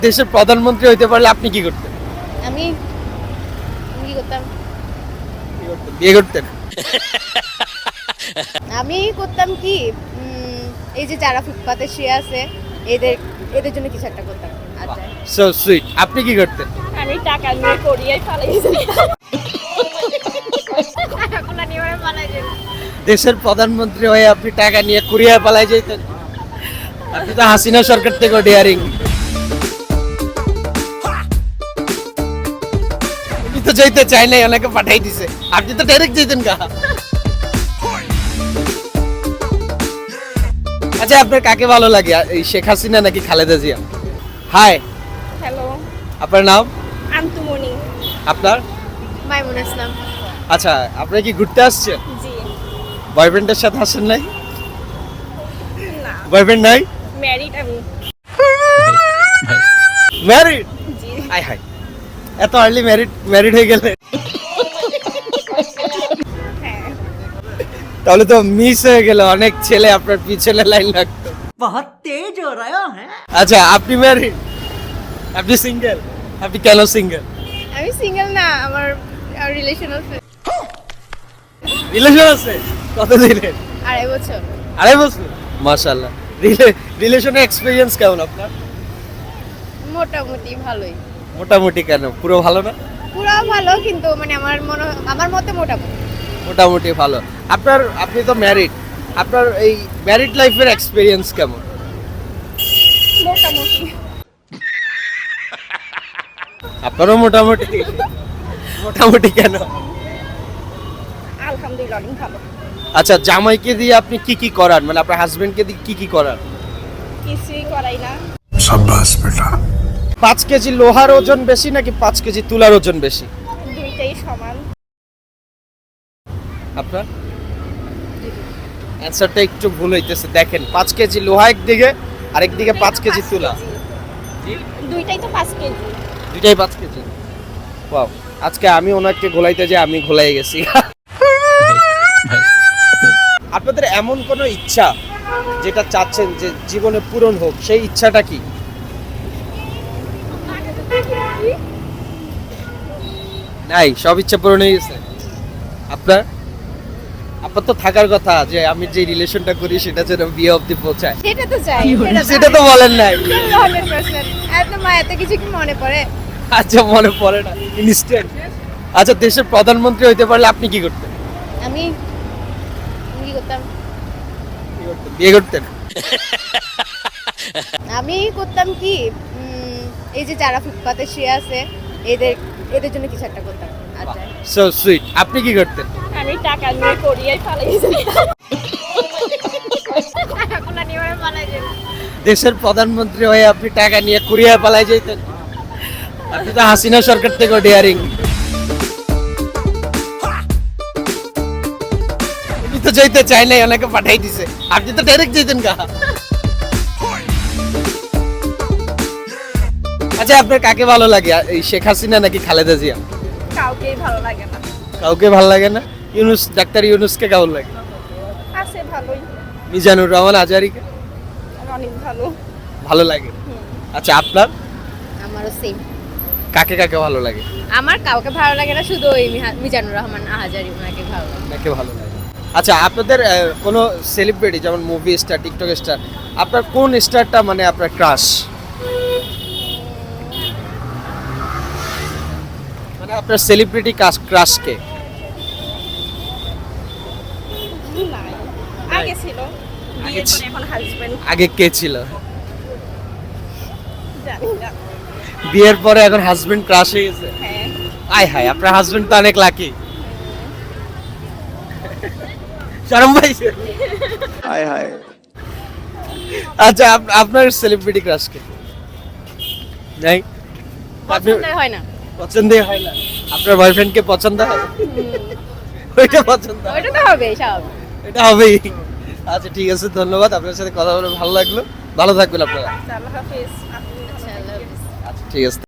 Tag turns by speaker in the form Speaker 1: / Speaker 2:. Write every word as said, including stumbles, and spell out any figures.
Speaker 1: দেশের প্রধানমন্ত্রী হইতে পারলে আপনি কি করতেন?
Speaker 2: আমি কি করতাম
Speaker 1: কি করতেন? বিয়ে করতেন?
Speaker 2: আমি করতাম কি উম, এই যে যারা ফুটপাতে শুয়ে আছে এদের এদের জন্য কিছু একটা করতাম। আচ্ছা
Speaker 1: সো সুইট। আপনি কি করতেন?
Speaker 2: আমি টাকা নিয়ে করিয়ে পালাই যাই। কোলা নিয়ে পালাই যাই।
Speaker 1: দেশের প্রধানমন্ত্রী হয়ে আপনি টাকা নিয়ে কুরিয়ার পালাই যাইতেন? আপনি তো হাসিনা সরকার থেকে ডিয়ারিং। উনি তো যাইতে চাই নাই, ওনাকে পাঠাই দিছে। আপনি তো ডাইরেক্ট যাইতেন গা। আচ্ছা, আপনার কাকে ভালো লাগে, এই শেখ হাসিনা নাকি খালেদা জিয়া? হাই,
Speaker 2: হ্যালো,
Speaker 1: আপনার নাম?
Speaker 2: আন্তুমণি।
Speaker 1: আপনার?
Speaker 2: মাইমুন ইসলাম।
Speaker 1: আচ্ছা, আপনি কি ঘুরতে আসছেন?
Speaker 2: জি
Speaker 1: বয়ফ্রেন্ডের সাথে আসেন নাই?
Speaker 2: না,
Speaker 1: বয়ফ্রেন্ড নাই?
Speaker 2: ম্যারিড আমি।
Speaker 1: ম্যারিড?
Speaker 2: জি
Speaker 1: আই হাই, এত আর্লি ম্যারিড ম্যারিড হয়ে গেলে
Speaker 2: হ্যাঁ।
Speaker 1: তাহলে তো মিস হয়ে গেল, অনেক ছেলে আপনার পিছনে লাইন লাগতো।
Speaker 3: बहुत तेज हो रहा है।
Speaker 1: আচ্ছা, আপনি ম্যারিড? আপনি সিঙ্গেল? আপনি কেন সিঙ্গেল?
Speaker 2: আমি সিঙ্গেল না, আমার রিলেশন আছে
Speaker 1: রিলেশন আছে? কত দিনের?
Speaker 2: আড়াই বছর।
Speaker 1: আড়াই বছর? মাশাআল্লাহ। রিলেশনে এক্সপেরিয়েন্স কেমন আপনার?
Speaker 2: মোটামুটি ভালোই।
Speaker 1: মোটামুটি কেন, পুরো ভালো না?
Speaker 2: পুরো ভালো কিন্তু মানে আমার মনে আমার মতে মোটামুটি।
Speaker 1: মোটামুটি ভালো। আপনার, আপনি তো ম্যারিড, আপনার এই ম্যারিড লাইফের এক্সপেরিয়েন্স কেমন?
Speaker 2: মোটামুটি।
Speaker 1: আপনারও মোটামুটি? মোটামুটি কেন?
Speaker 2: আলহামদুলিল্লাহ অনেক ভালো।
Speaker 1: আচ্ছা, জামাইকে দিয়ে আপনি কি কি করান, মানে আপনার হাজবেন্ডকে দিয়ে কি কি করান?
Speaker 2: কিছুই করাই না।
Speaker 4: शाबाश बेटा।
Speaker 1: পাঁচ কেজি লোহার ওজন বেশি নাকি পাঁচ কেজি তুলার ওজন বেশি?
Speaker 2: দুইটাই সমান।
Speaker 1: আপনার অ্যান্সারটা একটু ভুল হইতেছে। দেখেন, পাঁচ কেজি লোহা একদিকে, আরেক দিকে পাঁচ কেজি তুলা।
Speaker 2: দুইটাই তো পাঁচ কেজি।
Speaker 1: দুইটাই পাঁচ কেজি। ওয়াও, আজকে আমি ওনাকে ঘোলাইতে যে আমি ঘোলাই গেছি। আপনাদের এমন কোনো ইচ্ছা যেটা চাচ্ছেন যে জীবনে পূরণ হোক, সেই ইচ্ছাটা কি? নাই, সব ইচ্ছা পূরণ হয়ে গেছে। আপনার? আপনার তো থাকার কথা যে আমি যে রিলেশনটা করি সেটা যেন বিয়ে অবধি পৌঁছায়।
Speaker 2: সেটা তো চাই।
Speaker 1: সেটা তো বলেন নাই।
Speaker 2: Hundred percent. এত মা এত কিছু কি মনে পড়ে?
Speaker 1: আচ্ছা, মনে পড়ে না ইনস্ট্যান্ট। আচ্ছা, দেশের প্রধানমন্ত্রী হইতে পারলে আপনি কি করতেন?
Speaker 2: আমি কি করতাম
Speaker 1: কি করতেন? বিয়ে করতেন?
Speaker 2: আমি করতাম কি উম, এই যে যারা ফুটপাতে শুয়ে আছে এদের এদের জন্য কিছু একটা করতাম। আচ্ছা
Speaker 1: সো সুইট। আপনি কি করতেন?
Speaker 2: আমি টাকা নিয়ে করিয়ে পালাই যাই। কোলা নিয়ে পালাই যাই।
Speaker 1: দেশের প্রধানমন্ত্রী হয়ে আপনি টাকা নিয়ে কুরিয়ার পালাই যাইতেন? আপনি তো হাসিনা সরকার থেকে ডিয়ারিং। উনি তো যাইতে চাই নাই, ওনাকে পাঠাই দিছে। আপনি তো ডাইরেক্ট যাইতেন গা। আচ্ছা, আপনার কাকে ভালো লাগে, এই শেখ হাসিনা নাকি খালেদা জিয়া?
Speaker 2: কাউকেই ভালো লাগে না।
Speaker 1: কাউকে ভালো লাগে না? ইউনুস, ডাক্তার ইউনুসকে কেমন লাগে?
Speaker 2: আছে ভালোই।
Speaker 1: মিজানুর রহমান আজহারিকে
Speaker 2: অনেক ভালো।
Speaker 1: ভালো লাগে? আচ্ছা, আপনার
Speaker 2: আমারও সেম।
Speaker 1: কাকে কাকে ভালো লাগে?
Speaker 2: আমার কাউকে ভালো লাগে না, শুধু ওই মিহা- মিজানুর রহমান আহাজারি ওনাকে ভালো লাগে।
Speaker 1: কাকে ভালো লাগে? আচ্ছা, আপনাদের আহ, কোনো সেলিব্রিটি যেমন মুভি স্টার, টিকটক স্টার, আপনার কোন স্টারটা মানে আপনার ক্রাশ? মানে আপনার সেলিব্রিটি ক্রাশ কে?
Speaker 2: নাই, আগে ছিল।
Speaker 1: আগে
Speaker 2: বিয়ের
Speaker 1: ছি-
Speaker 2: পরে এখন হাজবেন্ড।
Speaker 1: আগে কে ছিল?
Speaker 2: জানি না।
Speaker 1: বিয়ের পরে এখন হাজবেন্ড ক্রাশ হয়ে গেছে?
Speaker 2: হ্যাঁ।
Speaker 1: আয় হায়, আপনার হাজবেন্ড তো অনেক লাকি। শরম পাইছে?
Speaker 4: हाय हाय।
Speaker 1: আচ্ছা, আপ- আপনার সেলিব্রিটি ক্রাশ কে? নাই? আপনি
Speaker 2: পছন্দ হয় না।
Speaker 1: পছন্দই হয় না? আপনার বয়ফ্রেন্ডকে পছন্দ হয়? ওইটা পছন্দ হয়?
Speaker 2: ওইটা তো হবে স্বাভাবিক।
Speaker 1: এটা হবেই। আচ্ছা, ঠিক আছে, ধন্যবাদ। আপনার সাথে কথা বলে ভালো লাগলো। ভালো থাকবেন আপনারা।
Speaker 2: আল্লাহ হাফেজ। আচ্ছা আল্লাহ হাফেজ।
Speaker 1: আচ্ছা, ঠিক আছে।